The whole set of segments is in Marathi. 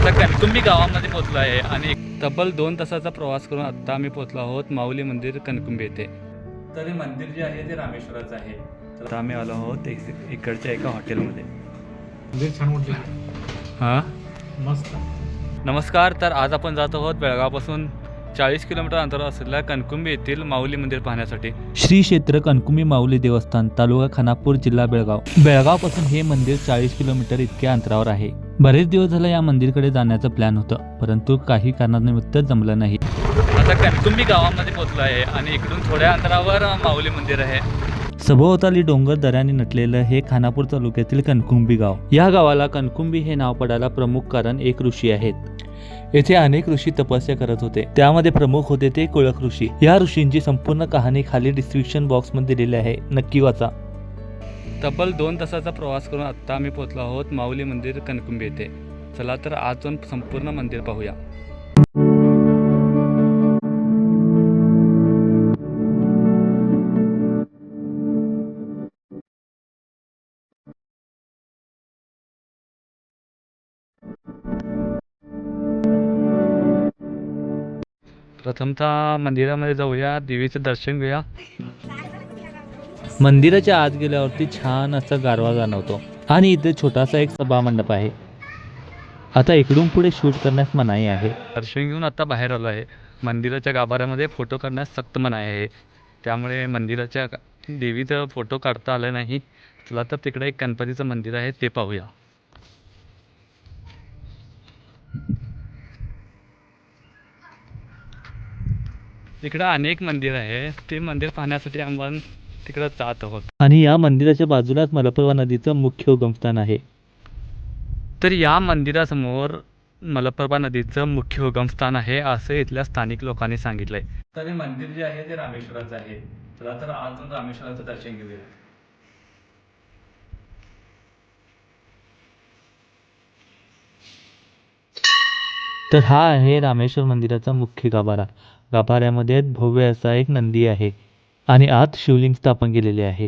आता कणकुंबी गावामध्ये पोहोचलो आहे आणि तब्बल 2 तासाचा प्रवास करून आत्ता आम्ही पोहोचलो आहोत माऊली मंदिर कणकुंबी येथे. तर हे मंदिर जे आहे ते रामेश्वराचं आहे. तर आता आम्ही आलो आहोत इकडच्या एका हॉटेलमध्ये. मंदिर छान वाटलं. हां मस्त. नमस्कार. तर आज आपण जात आहोत बेळगावपासून 40 किलोमीटर अंतरावर असलेल्या कणकुंबी येथील माऊली मंदिर पाहण्यासाठी. श्री क्षेत्र कणकुंबी माऊली देवस्थान, तालुका खानापूर, जिल्हा बेळगाव. बेळगावपासून हे मंदिर 40 किलोमीटर इतक्या अंतरावर आहे. बरेच दिवस झालं या मंदिरकडे जाण्याचं प्लॅन होतं, परंतु काही कारणानिमित्त जमलं नाही. आता कणकुंबी गावामध्ये पोहोचलो आहे आणि इकडून थोड्या अंतरावर माऊली मंदिर आहे. सभोवताली डोंगर दऱ्याने नटलेलं हे खानापूर तालुक्यातील कणकुंबी गाव. या गावाला कणकुंबी हे नाव पडायला प्रमुख कारण एक ऋषी आहेत. येथे अनेक ऋषी तपस्या करत होते, त्यामध्ये प्रमुख होते ते कुळक ऋषी. या ऋषींची संपूर्ण कहाणी खाली डिस्क्रिप्शन बॉक्स मध्ये दिलेली आहे, नक्की वाचा. तब्बल 2 तासाचा प्रवास करून आत्ता आम्ही पोहोचलो आहोत माऊली मंदिर कणकुंबी येथे. चला तर आज जाऊन संपूर्ण मंदिर पाहूया. प्रथमतः मंदिरामध्ये जाऊया, देवीचं दर्शन घेऊया. मंदिराच्या आत गेल्यावरती छान असा गारवा जाणवतो आणि इथे छोटासा एक सभा मंडप आहे. आता इकडून पुढे शूट करण्यास मनाई आहे. दर्शन घेऊन आता बाहेर आलो आहे. मंदिराच्या गाभाऱ्यामध्ये फोटो काढण्यास सक्त मनाई आहे, त्यामुळे मंदिराच्या देवीचा फोटो काढता आला नाही. चला तर तिकडे एक गणपतीचं मंदिर आहे ते पाहूया. तिकडं अनेक मंदिर आहे, ते मंदिर पाहण्यासाठी आम्हाला तिकडं जात आहोत. आणि या मंदिराच्या बाजूलाच मलप्रभा नदीचं मुख्य उगमस्थान आहे. तर या मंदिरासमोर मलप्रभा नदीचं मुख्य उगमस्थान आहे असं इथल्या स्थानिक लोकांनी सांगितलंय. तर हे मंदिर जे आहे ते रामेश्वराचं आहे. चला तर अजून रामेश्वराचं दर्शन घेऊया. तर हा आहे रामेश्वर मंदिराचा मुख्य गाभारा. गाभाऱ्यामध्ये भव्य असा एक नंदी आहे आणि आत शिवलिंग स्थापन केलेले आहे.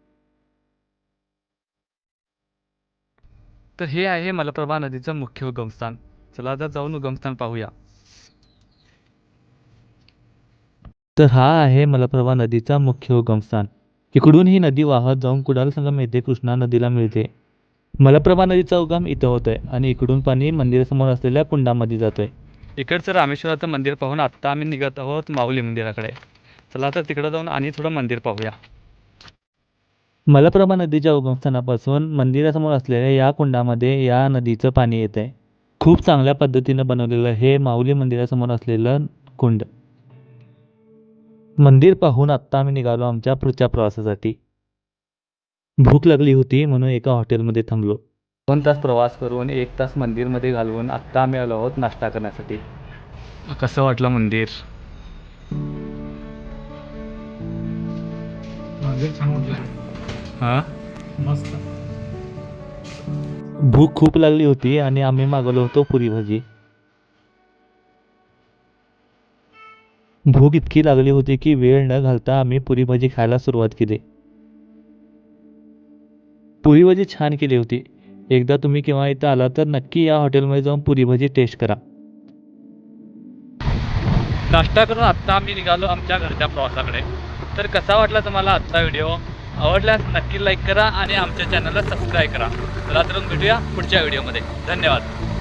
तर हे आहे मलप्रभा नदीचं मुख्य उगमस्थान. चला आता जाऊन उगमस्थान पाहूया. तर हा आहे मलप्रभा नदीचा मुख्य उगमस्थान. इकडून ही नदी वाहत जाऊन कुडाल संगम येथे कृष्णा नदीला मिळते. मलप्रभा नदीचा उगम इथं होतोय आणि इकडून पाणी मंदिरासमोर असलेल्या कुंडामध्ये जातोय. इकडचं रामेश्वराचं मंदिर पाहून आत्ता आम्ही निघत आहोत माऊली मंदिराकडे. चला तर तिकडं जाऊन आणि थोडं मंदिर पाहूया. मलप्रभा नदीच्या उगमस्थानापासून मंदिरासमोर असलेल्या या कुंडामध्ये या नदीचं पाणी येत आहे. खूप चांगल्या पद्धतीनं बनवलेलं हे माऊली मंदिरासमोर असलेलं कुंड. मंदिर पाहून आत्ता आम्ही निघालो आमच्या पुढच्या प्रवासासाठी. भूक लागली होती म्हणून एका हॉटेलमध्ये थांबलो. 2 तास प्रवास करून 1 तास मंदिरमध्ये घालवून आत्ता आम्ही आलो आहोत नाश्ता करण्यासाठी. कसं वाटलं मंदिर? मंदिर छान वाटलं. हां मस्त. भूक खूप लागली होती आणि आम्ही मागवलो होतो पुरी भाजी. भूक इतकी लागली होती की वेळ न घालता आम्ही पुरी भाजी खायला सुरुवात केली. पुरी भाजी छान केली होती. एकदा तुम्ही केव्हा इथं आला तर नक्की या हॉटेलमध्ये जाऊन पुरी भाजी टेस्ट करा. नाश्ता करून आत्ता आम्ही निघालो आमच्या घरच्या प्रवासाकडे. तर कसा वाटला तुम्हाला आजचा व्हिडिओ? आवडल्यास नक्की लाईक करा आणि आमच्या चॅनलला सबस्क्राईब करा. चला तर भेटूया पुढच्या व्हिडिओमध्ये. धन्यवाद.